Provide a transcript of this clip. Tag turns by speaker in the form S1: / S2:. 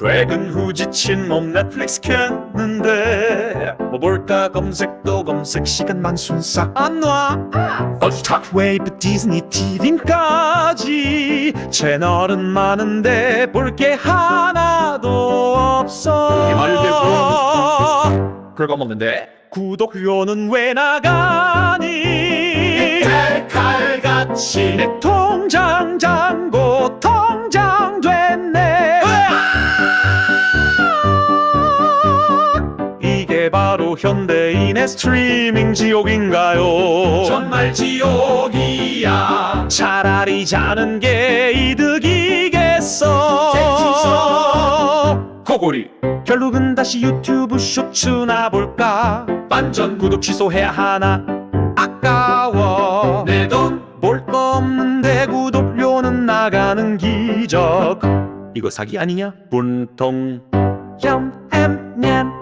S1: 퇴근 후 지친 몸 넷플릭스 켰는데 뭐 볼까 검색도 검색 시간만 순삭 안놔. 스타트 웨이브 디즈니 TV까지 채널은 많은데 볼 게 하나도 없어. 그거 먹는데 구독료는 왜 나가니? 칼같이 내 통장 잔고 통장 됐네. 이게 바로 현대인의 스트리밍 지옥인가요? 정말 지옥이야. 차라리 자는 게 이득이겠어. 코골이 결국은 다시 유튜브 쇼츠나 볼까? 완전 구독 취소해야 하나? 아까워. 내 돈 볼 거 없는데 구독료는 나가는 기적. 이거 사기 아니냐? 분통 얌 햄냠